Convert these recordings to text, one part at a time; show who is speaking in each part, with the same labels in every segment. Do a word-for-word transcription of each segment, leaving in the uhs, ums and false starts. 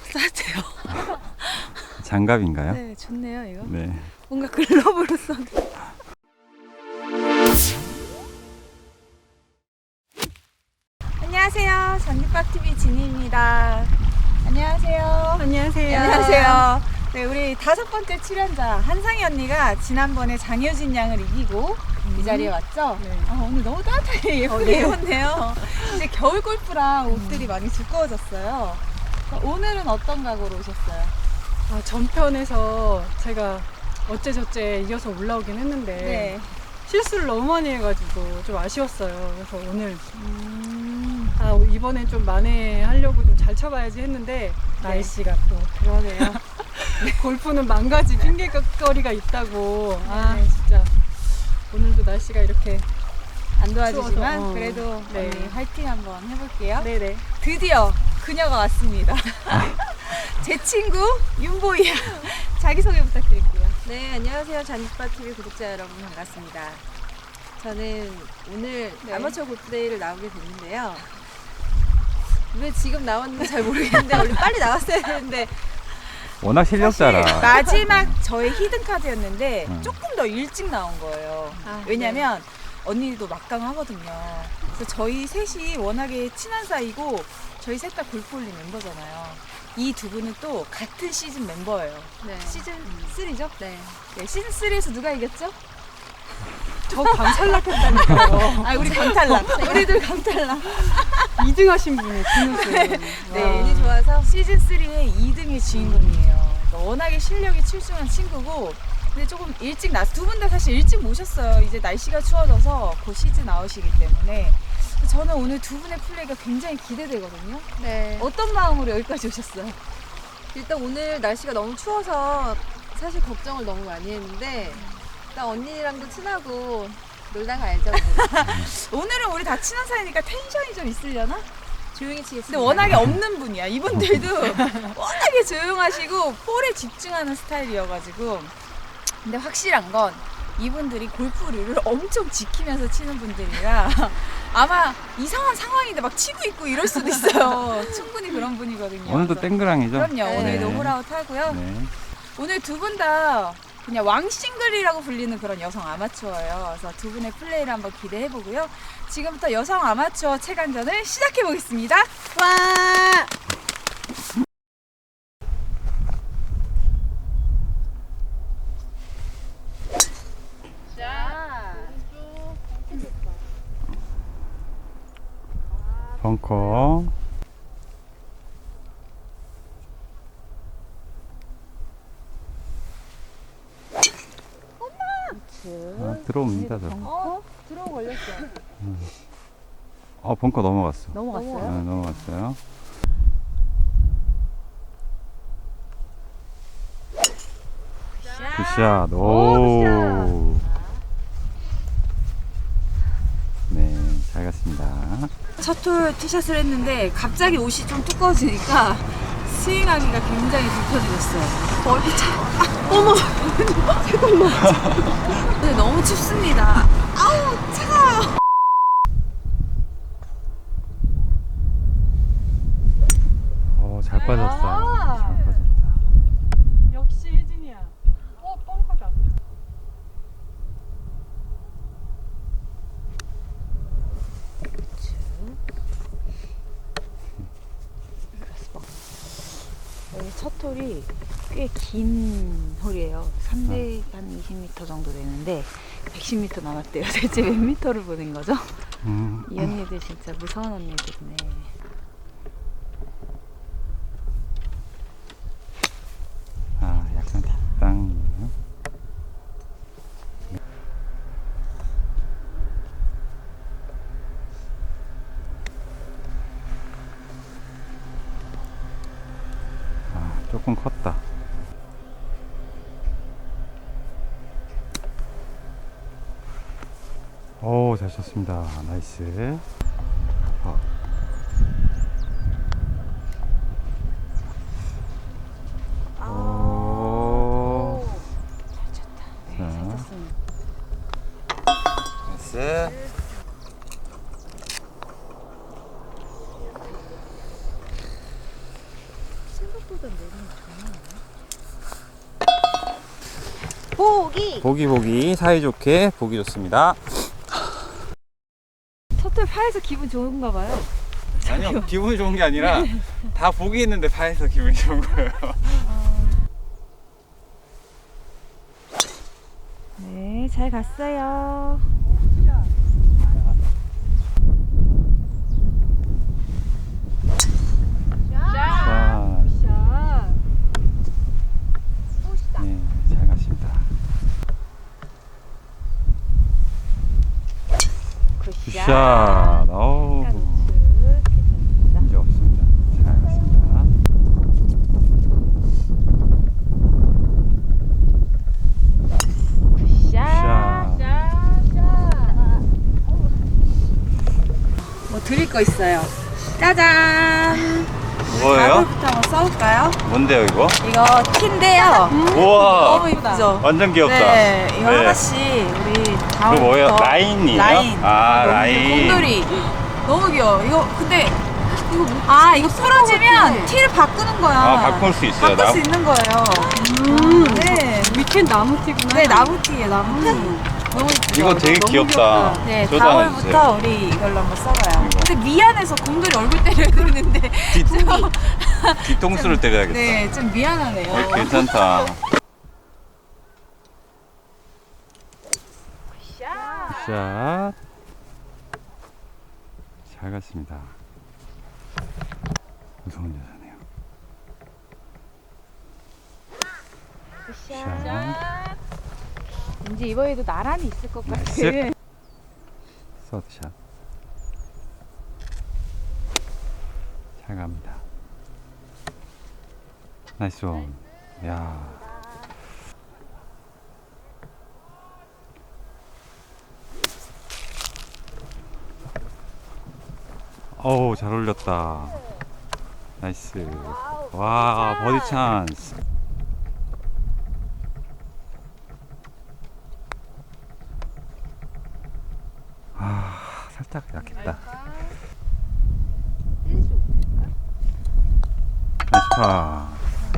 Speaker 1: 따뜻해요.
Speaker 2: 장갑인가요?
Speaker 1: 네, 좋네요 이거.
Speaker 2: 네.
Speaker 1: 뭔가 글러브로 써도. 안녕하세요. 전기밥티비 진희입니다. 안녕하세요.
Speaker 3: 안녕하세요.
Speaker 1: 안녕하세요. 네, 우리 다섯 번째 출연자 한상희 언니가 지난번에 장효진 양을 이기고 음. 이 자리에 왔죠?
Speaker 3: 네.
Speaker 1: 아, 오늘 너무 따뜻하게 예쁘게
Speaker 3: 어, 네.
Speaker 1: 입었네요. 이제 겨울 골프라 옷들이 많이 두꺼워졌어요. 오늘은 어떤 각오로 오셨어요?
Speaker 3: 아, 전편에서 제가 어째저째 이겨서 올라오긴 했는데
Speaker 1: 네.
Speaker 3: 실수를 너무 많이 해가지고 좀 아쉬웠어요. 그래서 오늘
Speaker 1: 음,
Speaker 3: 아, 이번엔 좀 만회하려고 좀 잘 쳐봐야지 했는데 날씨가 또
Speaker 1: 그러네요.
Speaker 3: 골프는 만 가지 핑계거리가 있다고. 아
Speaker 1: 네.
Speaker 3: 진짜 오늘도 날씨가 이렇게
Speaker 1: 안 도와주지만
Speaker 3: 추워서, 어.
Speaker 1: 그래도
Speaker 3: 네.
Speaker 1: 언니 화이팅 한번 해볼게요.
Speaker 3: 네네.
Speaker 1: 드디어 그녀가 왔습니다. 제 친구 윤보이야. 자기소개 부탁드릴게요.
Speaker 4: 네, 안녕하세요. 잔디바티비 구독자 여러분 반갑습니다. 저는 오늘
Speaker 1: 네.
Speaker 4: 아마추어 골프데이를 나오게 됐는데요. 왜 지금 나왔는지 잘 모르겠는데 원래 빨리 나왔어야 되는데
Speaker 2: 워낙 실력자라.
Speaker 1: 사실 마지막 저의 히든 카드였는데
Speaker 2: 음.
Speaker 1: 조금 더 일찍 나온 거예요.
Speaker 4: 아,
Speaker 1: 왜냐면 언니도 막강하거든요. 그래서 저희 셋이 워낙에 친한 사이고 저희 셋 다 골프올린 멤버잖아요. 이 두 분은 또 같은 시즌 member예요.
Speaker 4: 네.
Speaker 1: 시즌 삼이죠?
Speaker 4: 네.
Speaker 1: 네, 시즌 삼에서 누가 이겼죠?
Speaker 3: 저 강탈락했다니까요.
Speaker 1: 아, 우리 강탈락. 우리들 강탈락.
Speaker 3: 이 등 하신 분이 김우수.
Speaker 1: 네.
Speaker 4: 운이 좋아서
Speaker 1: 시즌 삼의 이 등의 주인공이에요. 그러니까 워낙에 실력이 출중한 친구고, 근데 조금 일찍 나서 두 분 다 사실 일찍 모셨어요. 이제 날씨가 추워져서 곧 시즌 아웃이기 때문에. 저는 오늘 두 분의 플레이가 굉장히 기대되거든요.
Speaker 4: 네.
Speaker 1: 어떤 마음으로 여기까지 오셨어요?
Speaker 4: 일단 오늘 날씨가 너무 추워서 사실 걱정을 너무 많이 했는데 일단 언니랑도 친하고 놀다 가야죠. 오늘은.
Speaker 1: 오늘은 우리 다 친한 사이니까 텐션이 좀 있으려나?
Speaker 4: 조용히 치겠습니다.
Speaker 1: 근데 워낙에 없는 분이야. 이분들도 워낙에 조용하시고 볼에 집중하는 스타일이어가지고. 근데 확실한 건 이분들이 골프 룰을 엄청 지키면서 치는 분들이라 아마 이상한 상황인데 막 치고 있고 이럴 수도 있어요. 충분히 그런 분이거든요.
Speaker 2: 오늘도
Speaker 1: 그래서
Speaker 2: 땡그랑이죠?
Speaker 1: 그럼요.
Speaker 4: 네.
Speaker 1: 오늘도 홀아웃 하고요.
Speaker 2: 네.
Speaker 1: 오늘 두 분 다 그냥 왕싱글이라고 불리는 그런 여성 아마추어예요. 그래서 두 분의 플레이를 한번 기대해 보고요. 지금부터 여성 아마추어 체간전을 시작해 보겠습니다. 와!
Speaker 2: 벙커. 아, 들어옵니다. 저.
Speaker 4: 어? 들어오 걸렸어.
Speaker 2: 어, 벙커 넘어갔어.
Speaker 1: 넘어갔어요?
Speaker 2: 네, 넘어갔어요. 굿샷. 오. 네, 잘 갔습니다.
Speaker 1: 첫 홀 티샷을 했는데 갑자기 옷이 좀 두꺼워지니까 스윙하기가 굉장히 불편해졌어요. 얼굴 차. 아, 어머. 잠깐만. 근데 너무 춥습니다. 아우 차가워.
Speaker 2: 어, 잘 빠졌어.
Speaker 1: 아.
Speaker 2: 잘 빠졌다.
Speaker 3: 역시 혜진이야. 어, 뻥커다.
Speaker 1: 여기 첫 홀이 꽤 긴 홀이에요. 삼 대 한 이십 미터 정도 되는데 백십 미터 남았대요. 대체 몇 미터를 보낸 거죠?
Speaker 2: 음,
Speaker 1: 이 언니들 진짜 무서운 언니들이네.
Speaker 2: 아, 약간 뒷땅이에요. 아, 조금 컸다. 오, 잘 쳤습니다. 나이스. 어. 오.
Speaker 1: 잘 쳤다. 네,
Speaker 2: 자.
Speaker 1: 잘 쳤습니다.
Speaker 2: 나이스.
Speaker 4: 보기.
Speaker 2: 보기 보기 사이좋게 보기 좋습니다.
Speaker 4: 첫홀 파에서 기분 좋은가 봐요.
Speaker 2: 아니요, 기분이 좋은 게 아니라 다 보기 있는데 파에서 기분이 좋은 거예요.
Speaker 4: 네, 잘 갔어요.
Speaker 2: 자,
Speaker 4: 샷.
Speaker 2: 네, 잘 갔습니다. 굿샷. 어우,
Speaker 4: 괜찮습니다.
Speaker 2: 문제 없습니다. 잘 갔습니다. 굿샷.
Speaker 1: 뭐 드릴 거 있어요. 짜잔.
Speaker 2: 뭐예요?
Speaker 1: 가볼부터 한번 써볼까요?
Speaker 2: 뭔데요, 이거?
Speaker 1: 이거 티인데요.
Speaker 2: 우와,
Speaker 1: 너무 이쁘죠?
Speaker 2: 완전 귀엽다.
Speaker 1: 네, 이거
Speaker 2: 네.
Speaker 1: 하나씩 우리
Speaker 2: 그거
Speaker 1: 다음부터
Speaker 2: 뭐예요? 라인이에요?
Speaker 1: 라인.
Speaker 2: 아,
Speaker 1: 너무
Speaker 2: 라인.
Speaker 1: 귀여워. 곰돌이. 너무 귀여워. 이거 근데 이거 아 이거 부러지면 티를 바꾸는 거야.
Speaker 2: 아, 바꿀 수 있어요.
Speaker 1: 바꿀
Speaker 2: 나-
Speaker 1: 수 있는 거예요.
Speaker 3: 음.
Speaker 1: 네.
Speaker 3: 밑엔 나무티구나.
Speaker 1: 네 나무티예요 나무티. 너무 이쁘죠?
Speaker 2: 이거 되게
Speaker 1: 너무
Speaker 2: 귀엽다.
Speaker 1: 귀엽다. 네,
Speaker 2: 저도 하나
Speaker 1: 다음부터
Speaker 2: 주세요.
Speaker 1: 우리 이걸로 한번 써봐요.
Speaker 2: 이거.
Speaker 1: 근데 미안해서 곰돌이 얼굴 때려야 되는데
Speaker 2: 뒤, 뒤통수를 때려야겠다.
Speaker 1: 네, 좀 미안하네요.
Speaker 2: 어, 괜찮다. 샷. 잘 갔습니다. 무서운 여자네요. 샷.
Speaker 1: 왠지 이번에도 나란히 있을 것 같아.
Speaker 2: 나이스. 서드샷. 잘 갑니다. 나이스 원. 야. 어우, 잘 올렸다. 나이스. 와, 버디 찬스. 아, 살짝 약했다. 나이스 파.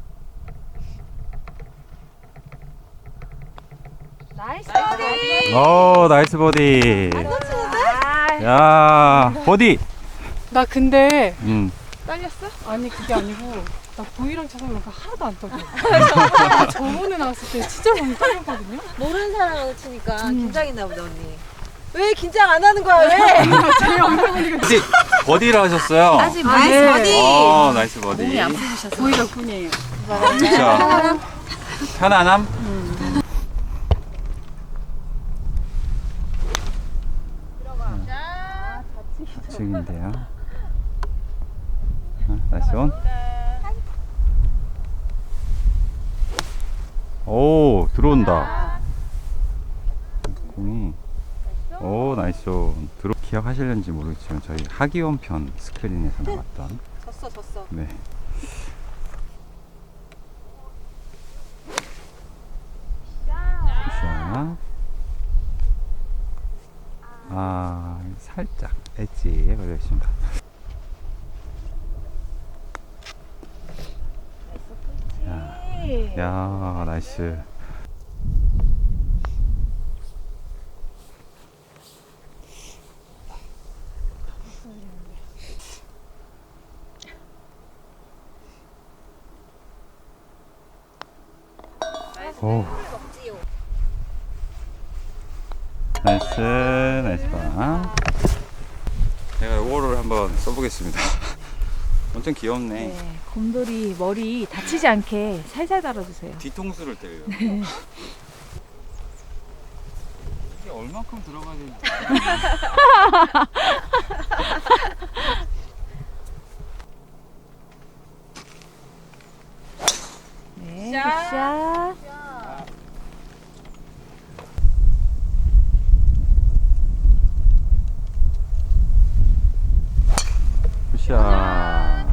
Speaker 1: 나이스 버디.
Speaker 2: 오, 나이스 버디.
Speaker 1: 아,
Speaker 2: 야, 버디.
Speaker 3: 나 근데
Speaker 2: 음.
Speaker 1: 떨렸어?
Speaker 3: 아니 그게 아니고 나 보이랑 차상나가 하나도 안 떨려. 저번에 나왔을 때 진짜 많이 떨렸거든요.
Speaker 4: 모르는 사람하고 치니까 긴장했나 보다 언니. 왜 긴장 안 하는 거야 왜?
Speaker 3: 제 얼굴 보니까
Speaker 2: 혹시 버디를 하셨어요?
Speaker 1: 아직
Speaker 3: 아,
Speaker 1: 나이스
Speaker 3: 네.
Speaker 1: 버디.
Speaker 2: 어, 나이스 버디.
Speaker 1: 몸이 아프셨어.
Speaker 3: 보이 덕분이에요.
Speaker 2: 그쵸? 편안함? 지금인데요. 나이스 온. 오, 들어온다. 공이. 오, 나이스 온. 들어 기억하실는지 모르겠지만 저희 하기원 편 스크린에서 나왔던.
Speaker 4: 졌어 졌어.
Speaker 2: 네. 자. 아, 살짝 엣지에 걸려 있습니다. 야, 야, 나이스. 오. 나이스, 나이스 봐. 제가 요거를 한번 써보겠습니다. 엄청 귀엽네.
Speaker 1: 네, 곰돌이 머리 다치지 않게 살살 달아주세요.
Speaker 2: 뒤통수를 때려요. 이게 얼만큼 들어가야 되는지.
Speaker 1: 네, 굿샷.
Speaker 2: 굿샷.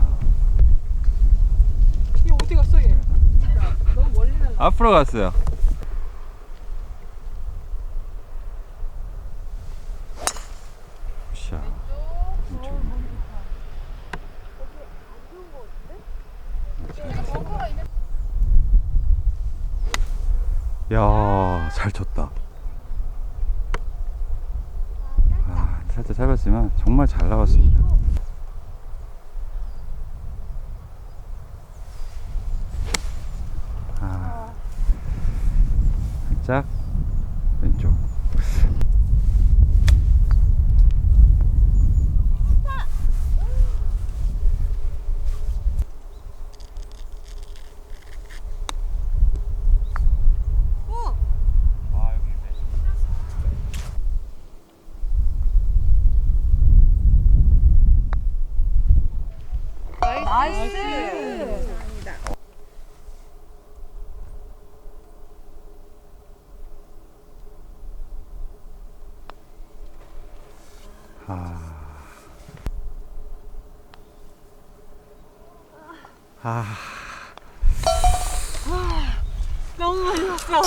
Speaker 3: 이 어디 갔어 얘? 너무 멀리 날라.
Speaker 2: 앞으로 갔어요. 굿샷. 왼쪽. 잘 갔어요. 야, 잘 쳤다. 아, 살짝 짧았지만 정말 잘 나왔습니다. 아, 살짝 왼쪽.
Speaker 1: 나이스.
Speaker 2: 아, 아,
Speaker 3: 너무 많이 났어.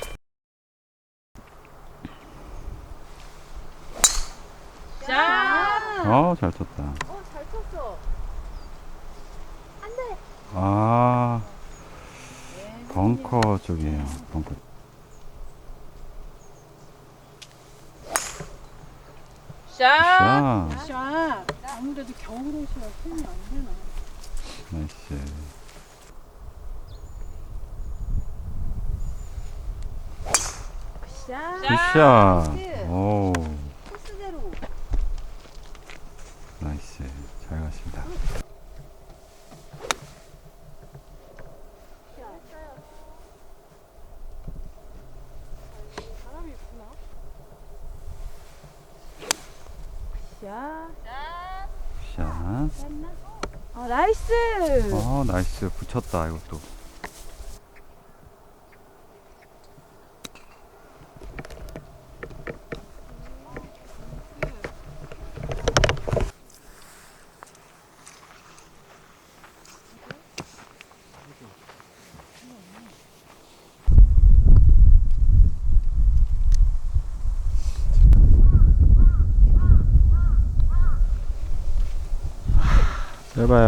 Speaker 1: 자.
Speaker 2: 어, 잘 쳤다.
Speaker 4: 어, 잘 쳤어.
Speaker 2: 아, 벙커 쪽이에요. 벙커.
Speaker 1: 자.
Speaker 2: 샷.
Speaker 3: 샷. 아무래도 겨울 옷이라 손이 안 되나.
Speaker 2: 나이스.
Speaker 4: 자,
Speaker 2: 굿샷. 오,
Speaker 4: 코스대로.
Speaker 2: 나이스. 잘 갔습니다.
Speaker 3: 바람이 있구나.
Speaker 1: 자.
Speaker 2: 굿샷.
Speaker 1: 어, 나이스.
Speaker 2: 어, 나이스. 붙였다, 이것도. 짧아요.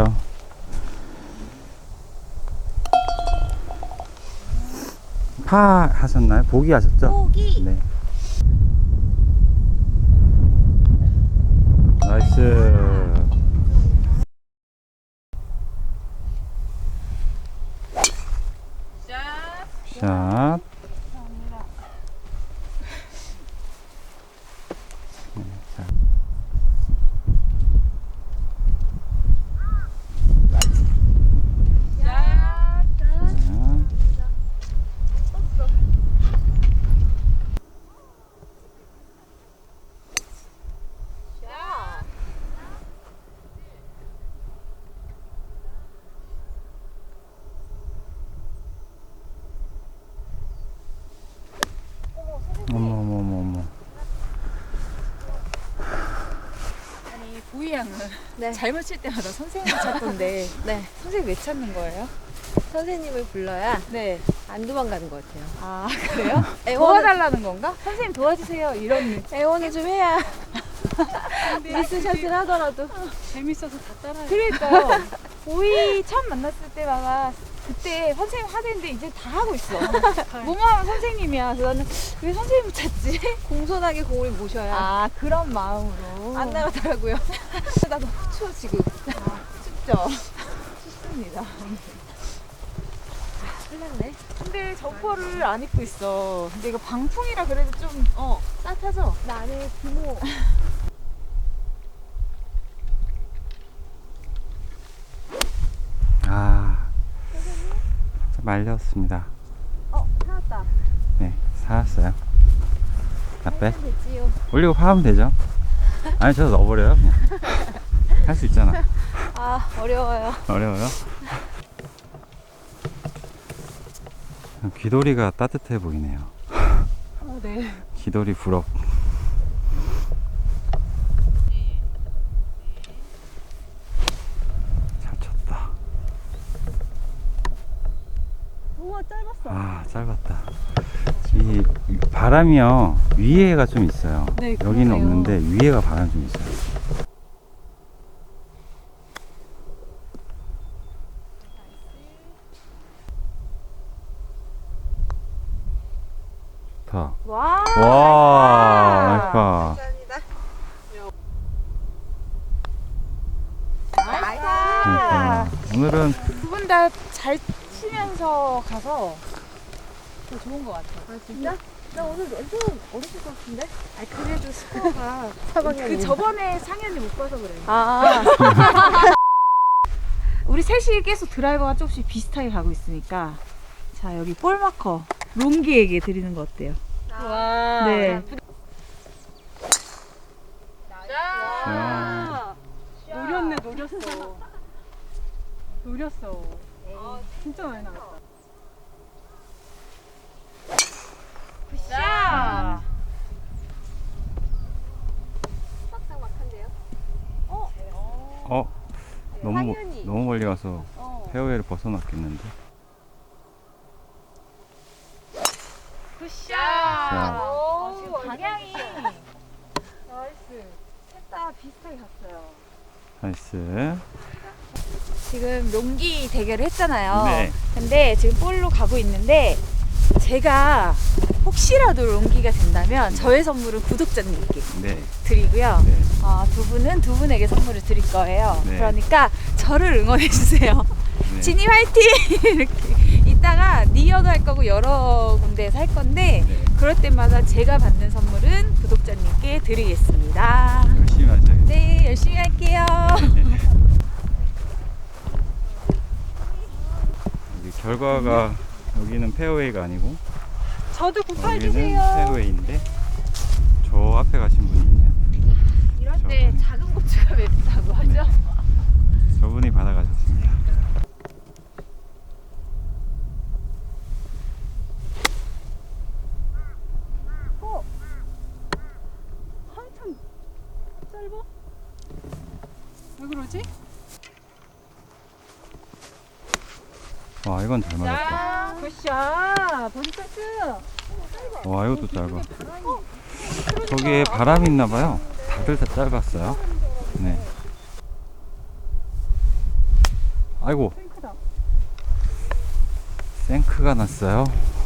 Speaker 2: 파 하셨나요? 보기 하셨죠?
Speaker 4: 포기.
Speaker 2: 네. 나이스.
Speaker 1: 자.
Speaker 2: 샷. 네, 자.
Speaker 1: 자.
Speaker 2: 자.
Speaker 4: 자.
Speaker 2: 어머 어머 어머 어머.
Speaker 1: 아니 보이 양은
Speaker 4: 네.
Speaker 1: 잘못 칠 때마다 선생님을 찾던데
Speaker 4: 네.
Speaker 1: 선생님 왜 찾는 거예요?
Speaker 4: 선생님을 불러야
Speaker 1: 네.
Speaker 4: 안 도망가는 것 같아요.
Speaker 1: 아 그래요?
Speaker 4: 애원을,
Speaker 1: 도와달라는 건가? 선생님 도와주세요 이런
Speaker 4: 애원을 좀 해야
Speaker 3: 근데
Speaker 4: 미스샷을 하더라도.
Speaker 3: 재밌어서 다 따라해.
Speaker 1: 그러니까요. 보이 처음 만났을 때마다 그때 선생님 하는데 이제 다 하고 있어. 뭐뭐 하면 선생님이야. 그래서 나는 왜 선생님을 찾지?
Speaker 4: 공손하게 공을 모셔야
Speaker 1: 아 그런 마음으로
Speaker 4: 안 나가더라고요.
Speaker 1: 나 너무 추워 지금. 아, 춥죠? 춥습니다.
Speaker 4: 큰일 났네.
Speaker 1: 근데 점퍼를 안 입고 있어. 근데 이거 방풍이라 그래도 좀
Speaker 4: 어, 따뜻하죠? 나 안에 기모.
Speaker 2: 아, 말렸습니다.
Speaker 4: 어, 살았다.
Speaker 2: 네, 살았어요. 나 빼.
Speaker 4: 됐지요.
Speaker 2: 올리고 파하면 되죠. 아니, 저 넣어버려요. 그냥. 할 수 있잖아.
Speaker 4: 아, 어려워요.
Speaker 2: 어려워요? 귀돌이가 따뜻해 보이네요.
Speaker 3: 어, 네.
Speaker 2: 귀돌이 부럽. 잘 쳤다.
Speaker 3: 우와, 짧았어.
Speaker 2: 아, 짧았다. 이 바람이요, 위에가 좀 있어요.
Speaker 3: 네,
Speaker 2: 여기는
Speaker 3: 그러네요.
Speaker 2: 없는데 위에가 바람 좀 있어요. 좋다.
Speaker 1: 와.
Speaker 2: 와, 나이스 파.
Speaker 4: 감사합니다.
Speaker 2: 그러니까 오늘은
Speaker 1: 두 분 다 잘 치면서 가서 더 좋은 것 같아.
Speaker 4: 아 진짜? 나 오늘 완전 어렸을 것 같은데? 아 그래도 스코어가 사방이
Speaker 1: 그 저번에 상현이 못 봐서 그래.
Speaker 4: 아
Speaker 1: 우리 셋이 계속 드라이버가 조금씩 비슷하게 가고 있으니까 자 여기 볼 마커 롱기에게 드리는 거 어때요?
Speaker 4: 와.
Speaker 1: 네.
Speaker 2: 자,
Speaker 3: 노렸네, 노렸어. 노렸어. 진짜 많이 나갔다.
Speaker 1: 자.
Speaker 4: 막상막한데요?
Speaker 2: 어, 너무 모-
Speaker 4: 상현이.
Speaker 2: 너무 멀리 가서
Speaker 4: 어.
Speaker 2: 페어웨이를 벗어났겠는데.
Speaker 1: 굿샷.
Speaker 2: 자.
Speaker 1: 어, 지금 방향이
Speaker 3: 나이스.
Speaker 1: 셋 다 비슷하게 갔어요.
Speaker 2: 나이스.
Speaker 1: 지금 롱기 대결을 했잖아요.
Speaker 2: 네.
Speaker 1: 근데 지금 볼로 가고 있는데 제가 혹시라도 롱기가 된다면 저의 선물은 구독자님께
Speaker 2: 네.
Speaker 1: 드리고요.
Speaker 2: 네.
Speaker 1: 어, 두 분은 두 분에게 선물을 드릴 거예요.
Speaker 2: 네.
Speaker 1: 그러니까 저를 응원해 주세요.
Speaker 2: 네.
Speaker 1: 진이 화이팅! 이렇게 이따가 니어도 할 거고 여러 군데에서 할 건데
Speaker 2: 네.
Speaker 1: 그럴 때마다 제가 받는 선물은 구독자님께 드리겠습니다.
Speaker 2: 열심히 하셔야겠네요.
Speaker 1: 네, 열심히 할게요.
Speaker 2: 여기 결과가 여기는 페어웨이가 아니고
Speaker 3: 저도 굿팔
Speaker 2: 여기는
Speaker 3: 주세요.
Speaker 2: 페어웨이인데 저 앞에 가신 분이 있네요.
Speaker 1: 이럴
Speaker 2: 때
Speaker 1: 때 작은 고추가 맵다고 하죠?
Speaker 2: 저분이 받아가셨습니다.
Speaker 3: 한참 짧아? 왜 그러지?
Speaker 2: 와, 이건 잘 맞았다.
Speaker 3: 굿샷. 버디 패스.
Speaker 2: 와, 이것도 짧아. 저기에 바람이 있나봐요. 다들 다 짧았어요. 네. 아이고,
Speaker 3: 탱크다.
Speaker 2: 생크가 났어요.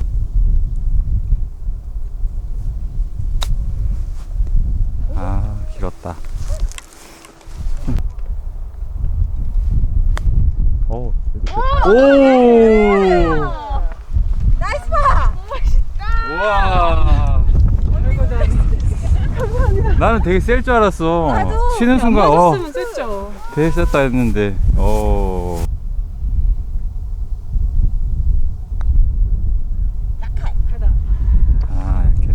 Speaker 2: 아, 길었다. 오! 오!
Speaker 4: 나이스 파!
Speaker 2: 우와!
Speaker 3: 아이고, 나
Speaker 2: 나는 되게 셀 줄 알았어. 치는
Speaker 3: 안
Speaker 2: 순간, 어,
Speaker 3: 맞았으면 셌죠.
Speaker 2: 되게 셌다 했는데, 어.
Speaker 3: 가다.
Speaker 2: 아, 이렇게.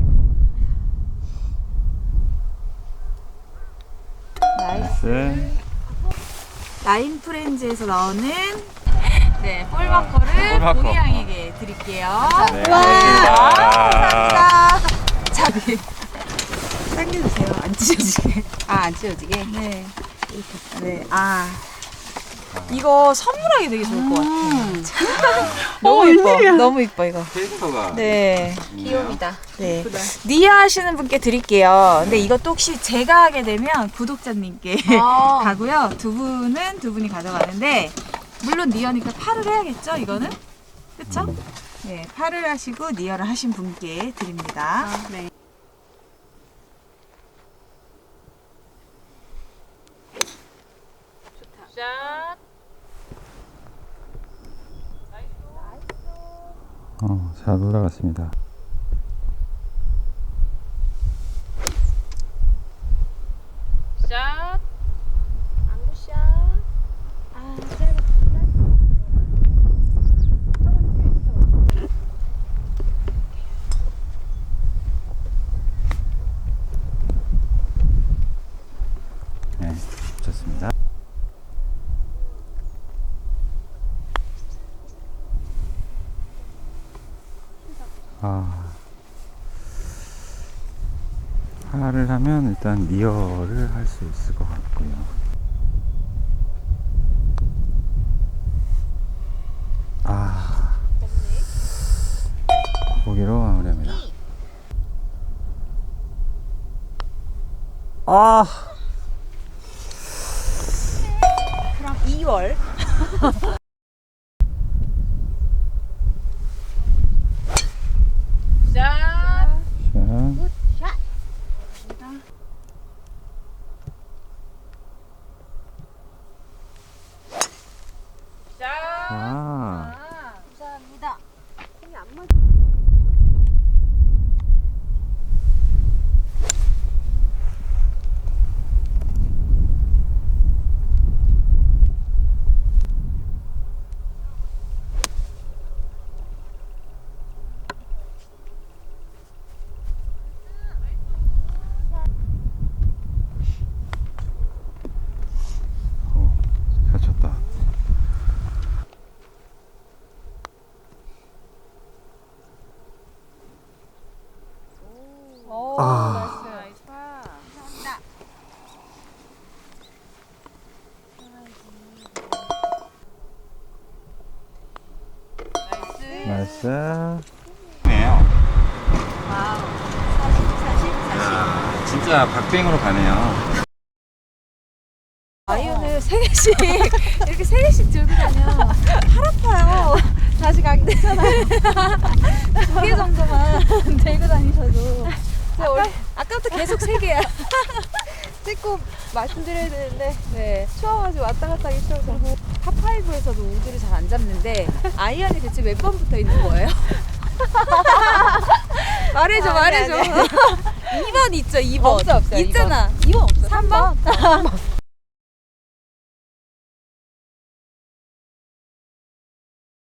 Speaker 1: 나이스.
Speaker 2: 나이스.
Speaker 1: 라인 프렌즈에서 나오는 네, 볼마커를
Speaker 2: 볼마커.
Speaker 1: 보리 양에게 드릴게요.
Speaker 2: 네, 고맙습니다.
Speaker 1: 자, 네. 당겨주세요. 안 찢어지게.
Speaker 4: 아 안 찢어지게?
Speaker 1: 네. 네. 아. 이거 선물하기 되게 좋을 것 같아. 너무
Speaker 3: 어,
Speaker 1: 이뻐.
Speaker 3: 웬일이야.
Speaker 1: 너무 이뻐 이거.
Speaker 2: 캐릭터가.
Speaker 1: 네.
Speaker 4: 귀요미다.
Speaker 1: 네.
Speaker 3: 예쁘다.
Speaker 1: 니아 하시는 분께 드릴게요. 근데 이것도 혹시 제가 하게 되면 구독자님께
Speaker 4: 아.
Speaker 1: 가고요. 두 분은 두 분이 가져가는데 물론 니어니까 팔을 해야겠죠, 이거는? 그쵸? 네, 팔을 하시고 니어를 하신 분께 드립니다.
Speaker 3: 네.
Speaker 2: 어, 잘 올라갔습니다.
Speaker 1: 샷.
Speaker 4: 안구샷.
Speaker 1: 아, 짧아.
Speaker 2: 네, 좋습니다. 아, 파를 하면 일단 리어를 할 수 있을 것 같고요. 아, 거기로 마무리합니다. 아,
Speaker 1: 그럼 이월. 샷.
Speaker 2: 아.
Speaker 4: 감사합니다.
Speaker 2: 어, 잘 쳤다.
Speaker 4: 오,
Speaker 2: 아.
Speaker 4: 나이스. 감사합니다. 나이스.
Speaker 2: 나이스. 네요.
Speaker 4: 와우. 사십, 사십, 사십.
Speaker 2: 야, 진짜 박빙으로 가네요.
Speaker 1: 아이언을 세 개씩 이렇게 세 개씩 들고 다녀.
Speaker 4: 팔 아파요. 다시 가기 되잖아요.
Speaker 1: 두 개 정도만 들고 다니셔도.
Speaker 4: 제가 원래
Speaker 1: 아까부터 계속 세 개야.
Speaker 4: 찍고 말씀드려야 되는데 네 추워가지고 왔다 갔다 하기 싫어서
Speaker 1: 파파이브에서도 우드를 잘 안 잡는데 아이언이 대체 몇 번 붙어 있는 거예요? 말해줘,
Speaker 4: 아니,
Speaker 1: 말해줘.
Speaker 4: 아니,
Speaker 1: 이 번 있죠, 이 번.
Speaker 4: 없어 없어요.
Speaker 1: 있잖아.
Speaker 4: 이번 없어.
Speaker 1: 삼 번?
Speaker 4: 삼 번.